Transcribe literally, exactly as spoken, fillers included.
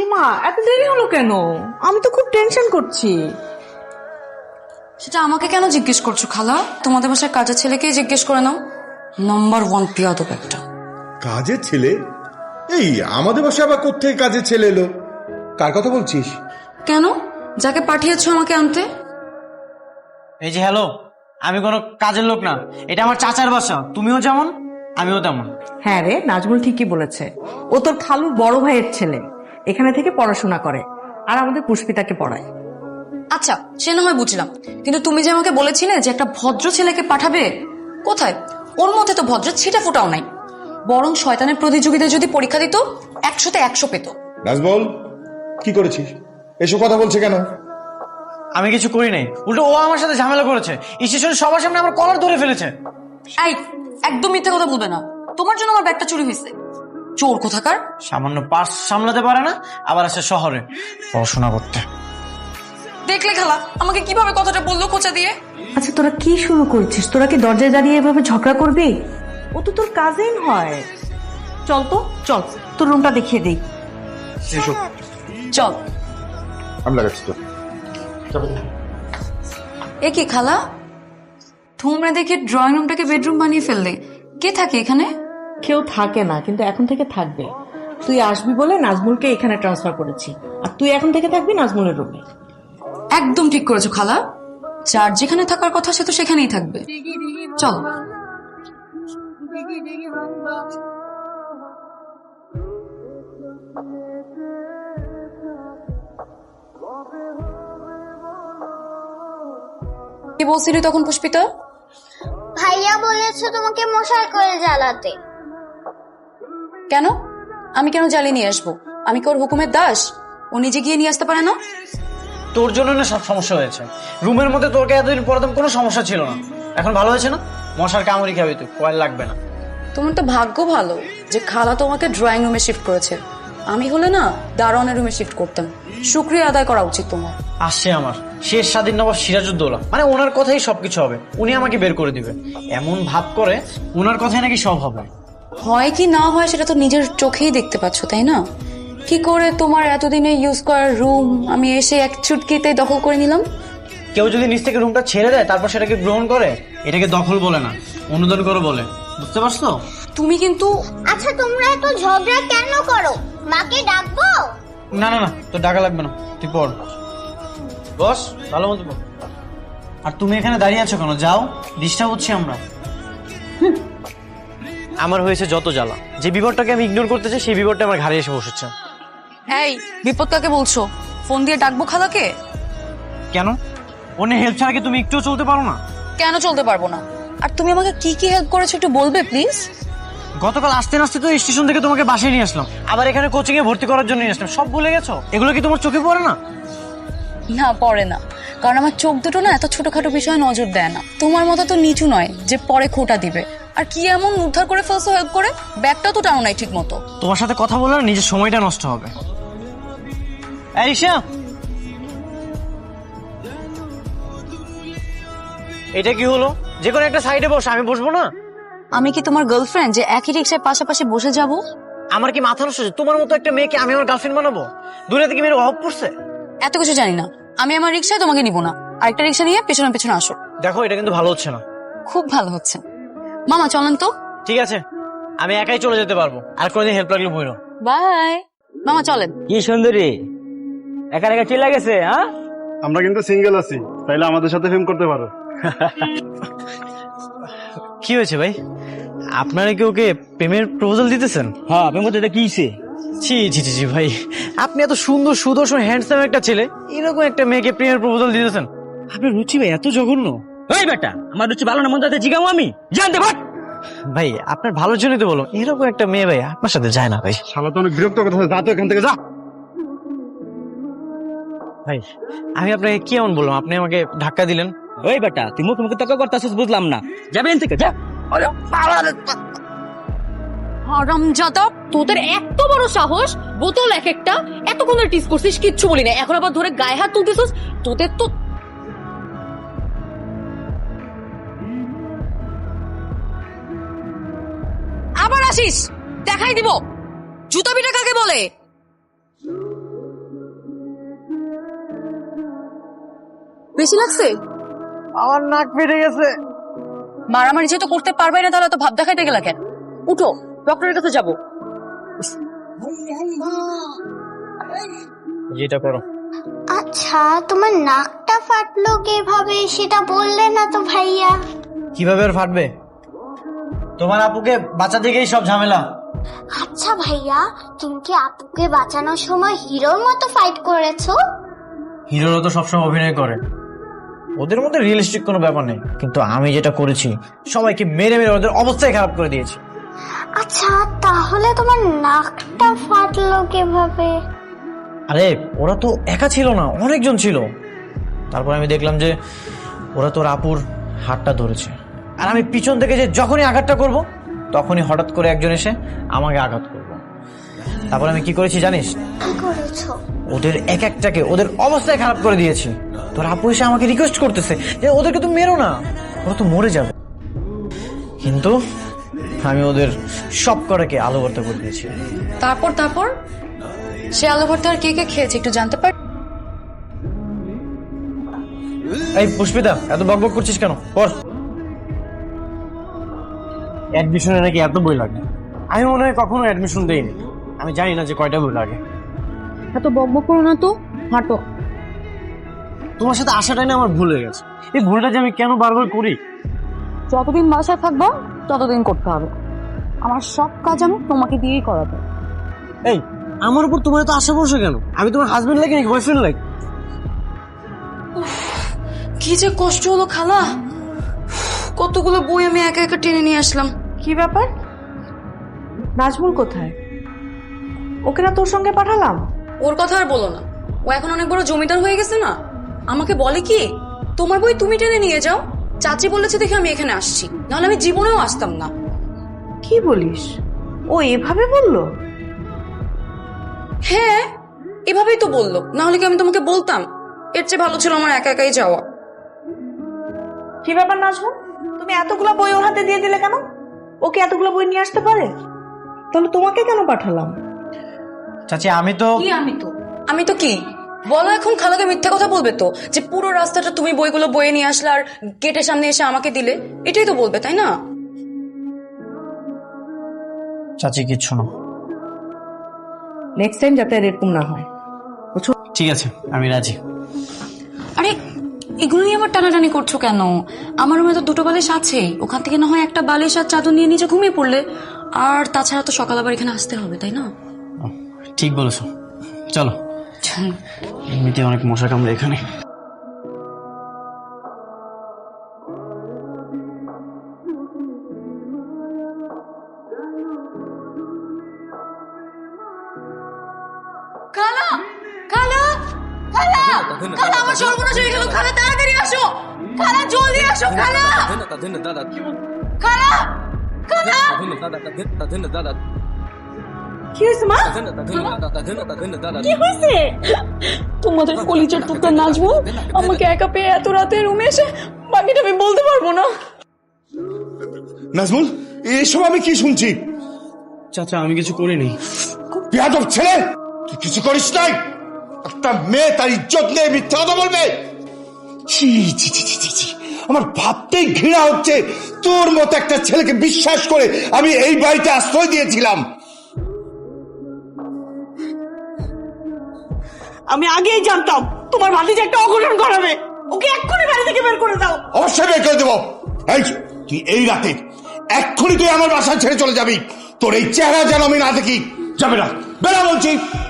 মা এত দেরি হলো কেন? আমি তো খুব টেনশন করছি। সেটা আমাকে কেন জিজ্ঞেস করছো খালা? তোমাদের বাসায় কাজের ছেলেকেই জিজ্ঞেস করে নাও। নাম্বার ওয়ান পিয়াদব একটা। কাজের ছেলে? এই আমাদের বাসায় আবার কোত্থেকে কাজের ছেলে এলো? কার কথা বলছিস? কেন? যাকে পাঠিয়েছো আমাকে আনতে? এই যে হ্যালো, আমি কোনো কাজের লোক না, এটা আমার চাচার বাসা। তুমিও যেমন আমিও তেমন। হ্যাঁ রে, নাজমুল ঠিকই বলেছে। ও তোর খালুর বড় ভাইয়ের ছেলে, এখানে থেকে পড়াশোনা করে আর আমাদের পুষ্পিতাকে পড়ায়। আচ্ছা সে না হয় বুঝলাম, কিন্তু তুমি যে আমাকে বলেছিলে যে একটা ভদ্র ছেলেকে পাঠাবে, কোথায়? ওর মধ্যে তো ভদ্র ছিটা ফুটাও নাই। বরং শয়তানের প্রতিযোগিতায় যদি পরীক্ষা দিত একশোতে একশো পেত। নাজমল, কি করেছিস? এসব কথা বলছে কেন? আমি কিছু করি নাই, উল্টো ও আমার সাথে ঝামেলা করেছে। স্টেশনে সবার সামনে আমার কলার ধরে ফেলেছে। এই একদম মিথ্যে কথা বলবে না। তোমার জন্য আমার ব্যাগটা চুরি হয়েছে। চোর কোথাকার। সামান্য পার্স সামলাতে পারে না, আবার আছে শহরে পড়াশোনা করতে। দেখলে খালা আমাকে কিভাবে কথাটা বললো খোঁচা দিয়ে। আচ্ছা তোরা কি শুরু করছিস? তোরা কি দরজায় দাঁড়িয়ে এভাবে ঝগড়া করবি? ও তো তোর কাজিন হয়। চল তো চল, তোর রুমটা দেখিয়ে দেই। চল। আমি লাগাচ্ছি তো। এ কি খালা, তোমরা দেখে ড্রয়িং রুমটাকে বেডরুম বানিয়ে ফেললে। কে থাকে এখানে? কেউ থাকে না, কিন্তু এখন থেকে থাকবে। তুই আসবি বলে নাজমুলকে এখানে ট্রান্সফার করেছি, আর তুই এখন থেকে থাকবি নাজমুলের রুমে। একদম ঠিক করেছো খালা, যার যেখানে থাকার কথা সে তো সেখানেই থাকবে। চল। কি বলছিলি তখন পুষ্পিতা? ভাইয়া বলেছে তোমাকে মশাই করে জ্বালাতে। কেন? আমি কেন জ্বালিয়ে নিয়ে আসবো? আমি কি ওর হুকুমের দাস? ও নিজে গিয়ে নিয়ে আসতে পারে না? তোর জন্য না সব সমস্যা হয়েছে। রুমের মধ্যে তোকে এতদিন পরে কোনো সমস্যা ছিল না, এখন ভালো হয়েছে না? মশার কামড়ি খাবি তুই, কয়েল লাগবে না। তোমার তো ভাগ্য ভালো যে খালা তোমাকে ড্রয়িং রুমে শিফট করেছে। আমি হলে না দারোয়ানের রুমে শিফট করতাম। শুকরিয়া আদায় করা উচিত তোমার। আসছে আমার শেষ স্বাধীন নবাব সিরাজউদ্দৌলা, মানে ওনার কথাই সবকিছু হবে, উনি আমাকে বের করে দিবে। এমন ভাব করে ওনার কথাই নাকি সব হবে। হয় কি না হয় সেটা তো নিজের চোখেই দেখতে পাচ্ছ, তাই না? কি করে তোমার এতদিনে ইউজ করার রুম আমি এসে এক চুটকিতে দখল করে নিলাম। কেউ যদি নিচ থেকে রুমটা ছেড়ে দেয় তারপর সেটাকে গ্রহণ করে, এটাকে দখল বলে না, অনুদান করে বলে। বুঝতে পারছো? তুমি কিন্তু আচ্ছা তোমরা এত ঝগড়া কেন করো? মাকে ডাকবো? না না না, তোর টাকা লাগবে না, তুই পড়। বস ভালো মতো পড়। আর তুমি এখানে দাঁড়িয়ে আছো কেন? যাও, ডিস্টার্ব হচ্ছে আমরা। আমার হয়েছে যত জ্বালা, যে বিপদটাকে আমি ইগনোর করতে চাই সেই বিপদটা আমার ঘাড়ে এসে বসেছে। এই বিপদ কাকে বলছো? ফোন দিয়ে ডাকবো খালাকে? কেন? অন্য হেল্প ছাড়া কি তুমি একটুও চলতে পারো না? কেন চলতে পারবো না? আর তুমি আমাকে কি কি হেল্প করেছো একটু বলবে প্লিজ? গতকাল আসতে আসতে তো স্টেশন থেকে তোমাকে বাসায় নিয়ে আসলাম, আবার এখানে কোচিং এ ভর্তি করার জন্য নিয়ে আসলাম। সব ভুলে গেছো? এগুলো কি তোমার চোখে পড়ে না? না পড়ে না, কারণ আমার চোখ দুটো না এত ছোটখাটো বিষয়ে নজর দেয় না। তোমার মতো তো নিচু নয় যে পরে খোটা দিবে। আর কি এমন উদ্ধার করে ফেলছো হেল্প করে? ব্যাগটাও তো টানো নাই ঠিক মতো। তোমার সাথে কথা বলে না নিজের সময়টা নষ্ট হবে। এই ঈশা, এটা কি হলো? যে কোনো একটা সাইডে বস, আমি বসবো না? আমি কি তোমার গার্লফ্রেন্ড যে একই রিক্সায় পাশাপাশি বসে যাব? আমার কি মাথা নষ্ট? তোমার মতো একটা মেয়েকে আমি আমার গার্লফ্রেন্ড বানাবো? দূরে থেকে মেয়ের অভাব পড়ছে। এত কিছু জানি না, আমি আমার রিক্সায় তোমাকে নিব না। আরেকটা রিক্সা নিয়ে পেছনে পেছনে আসো। দেখো এটা কিন্তু ভালো হচ্ছে না। খুব ভালো হচ্ছে। মামা চলেন তো। ঠিক আছে, আমি একাই চলে যেতে পারবো, আর কোনোদিন হেল্প লাগলে বইরো। বাই। মামা চলেন। কি সুন্দরী, একা একা চিল্লা গেছে। হ্যাঁ, আমরা কিন্তু সিঙ্গেল আছি, তাইলে আমাদের সাথে ফিল্ম করতে পারো। কি হয়েছে ভাই? আপনারা কি ওকে প্রেমের প্রপোজাল দিতেছেন? হ্যাঁ আপনি বলতে এটা কিছে? জি জি জি জি ভাই, আপনি এত সুন্দর সুদর্শন হ্যান্ডসাম একটা ছেলে, এরকম একটা মেয়েকে প্রেমের প্রপোজাল দিতেছেন? আপনার রুচি ভাই এত জঘন্য। ওই বেটা, আমার রুচি ভালো না মন যাতে জিগামো আমি, জানতে পার। ভাই আপনার ভালোর জন্যই তো বলো, এরকম একটা মেয়ে ভাই আপনার সাথে যায় না ভাই। শালা তো অনেক বিরক্ত কথা, যা তো এখান থেকে যা। ভাই আমি আপনাকে কি এমন বললাম, আপনি আমাকে ধাক্কা দিলেন? ওই বেটা, তুই মুখ মুখে তর্ক করতেছিস, বুঝলাম না। যাবেন থেকে যা। হারামজাদা, তোদের এত বড় সাহস! বোতল এক একটা, এতক্ষণ টিস করছিস, কিচ্ছু বলি না, এখন আবার ধরে গায়ে হাত তুলতেছিস। তোদের তো আবার আসিস, দেখাই দিব জুতা পিটা কাকে বলে। বেশি লাগছে? আমার নাক ফেটে গেছে। মারামারি যেহেতু করতে পারবে না তাহলে তো ভাব দেখাইতে গেলা কেন? উঠো, ডক্টরের কাছে যাবো। যেটা করো। আচ্ছা, তোমার নাকটা ফাটলো কিভাবে সেটা বললে না তো ভাইয়া। কিভাবে আর ফাটবে? তোমার আপুকে বাঁচা দিকেই সব ঝামেলা। আচ্ছা ভাইয়া, তুমি কি আপুকে বাঁচানোর সময় হিরোর মতো ফাইট করেছো? হিরোরা তো সবসময় অভিনয় করে, ওদের মধ্যে রিয়েলিস্টিক কোনো ব্যাপার নেই। কিন্তু আমি যেটা করেছি, সবাইকে মেরে মেরে ওদের অবস্থাই খারাপ করে দিয়েছি। আচ্ছা, তাহলে তোমার নাকটা ফাটলো কিভাবে? আরে ওরা তো একা ছিল না, অনেকজন ছিল। তারপর আমি দেখলাম যে ওরা তোর আপুর হাতটা ধরেছে, আর আমি পিছন থেকে যে যখনই আঘাতটা করব তখনই হঠাৎ করে একজন এসে আমাকে আঘাত করবো। তারপর আমি কি করেছি জানিস? কি করেছো? ওদের এক একটাকে ওদের অবস্থায় খারাপ করে দিয়েছি। তোর আপু এসে আমাকে রিকোয়েস্ট করতেছে যে ওদেরকে তো মেরো না, ওরা তো মরে যাবে। কিন্তু আমি ওদের সব কটাকে আলো ভর্তা করে দিয়েছি। তারপর তারপর সে আলু ভর্তা আর কে কে খেয়েছে একটু জানতে পার? এই পুষ্পিতা, এত বকবক করছিস কেন? পড়। অ্যাডমিশনে নাকি এত বই লাগে। আমি মনে হয় কখনো অ্যাডমিশন দেইনি, আমি জানি না যে কয়টা বই লাগে। এত বকবক করো না তো, হাঁটো। তোমার সাথে আসাটাই না আমার ভুল হয়ে গেছে। এই ভুলটা যে আমি কেন বারবার করি। যতদিন বাসায় থাকবো ততদিন করতে হবে। আমার সব কাজ আমি তোমাকে দিয়েই করাবো। এই আমার উপর তোমার তো আশা ভরসা কেন? আমি তোমার হাজবেন্ড লাগে নাকি বয়ফ্রেন্ড লাগে? কি যে কষ্ট হলো খালা, কতগুলো বই আমি একা একা টেনে নিয়ে আসলাম। কি ব্যাপার? নাজমুল কোথায়? ওকে না তোর সঙ্গে পাঠালাম? ওর কথা আর বলো না, ও এখন অনেক বড় জমিদার হয়ে গেছে না। আমাকে বলে কি, তোমার বই তুমি টেনে নিয়ে যাও, চাচি বলেছে দেখে আমি এখানে আসছি, নাহলে আমি জীবনেও আসতাম না। কি বলিস? ও এভাবে বললো? হ্যাঁ, এভাবেই তো বললো, নাহলে কি আমি তোমাকে বলতাম? এর চেয়ে ভালো ছিল আমার একা একাই যাওয়া। কি ব্যাপার নাজমুল, তুমি এতগুলো বই ওর হাতে দিয়ে দিলে কেন? ওকে এতগুলো বই নিয়ে আসতে পারে? তাহলে তোমাকে কেন পাঠালাম? চাচি আমি তো কি আমি তো আমি তো কি বলো এখন? খালাকে মিথ্যা কথা বলবে তো, যে পুরো রাস্তাটা তুমি বইগুলো বয়ে নিয়ে আসলে আর গেটের সামনে এসে আমাকে দিলে, এটাই তো বলবে, তাই না? চাচি কিচ্ছু না। নেক্সট টাইম যাতে আর এরকম না হয়। ঠিক আছে, আমি রাজি। আরে এগুলো নিয়ে আবার টানাটানি করছো কেন? আমার রুমে তো দুটো বালিশ আছেই, ওখান থেকে না হয় একটা বালিশ আর চাদর নিয়ে নিচে ঘুমিয়ে পড়লে। আর তাছাড়া তো সকাল আবার এখানে আসতে হবে, তাই না? ঠিক বলেছো, চলো। এমনিতে অনেক মশা কামড়ে এখানে। খালা, খালা, খালা, খালা, আমার সর্বনাশ হয়ে গেল। খালা তাড়াতাড়ি আসো, খালা জলদি আসো, খালা, খালা, খালা। কি হয়েছে মা? কি হয়েছে? তোমাদের কলিজার টুকরা নাজমুল আমাকে একা পেয়ে এত রাতে রুমে এসে বাকিটা আমি বলতে পারবো না। নাজমুল, এসব আমি কি শুনছি? চাচা আমি কিছু করিনি। বেয়াদব ছেলে, তুই কিছু করিস নাই? একটা মেয়ে তার ইজ্জত নিয়ে মিথ্যা কথা বলবে? ছি ছি ছি ছি ছি ছি। আমার ভাবতেই ঘৃণা হচ্ছে, তোর মতো একটা ছেলেকে বিশ্বাস করে আমি এই বাড়িতে আশ্রয় দিয়েছিলাম। আমি আগেই জানতাম তোমার ভাতিজা একটা অঘটন করাবে। ওকে এক্ষুনি বাড়ি থেকে বের করে দাও। অবশ্যই বের করে দেবো। এই তুই এই রাতে এক্ষুনি তুই আমার বাসা ছেড়ে চলে যাবি। তোর এই চেহারা যেন আমি না দেখি। যাবে না, বেরা বলছি।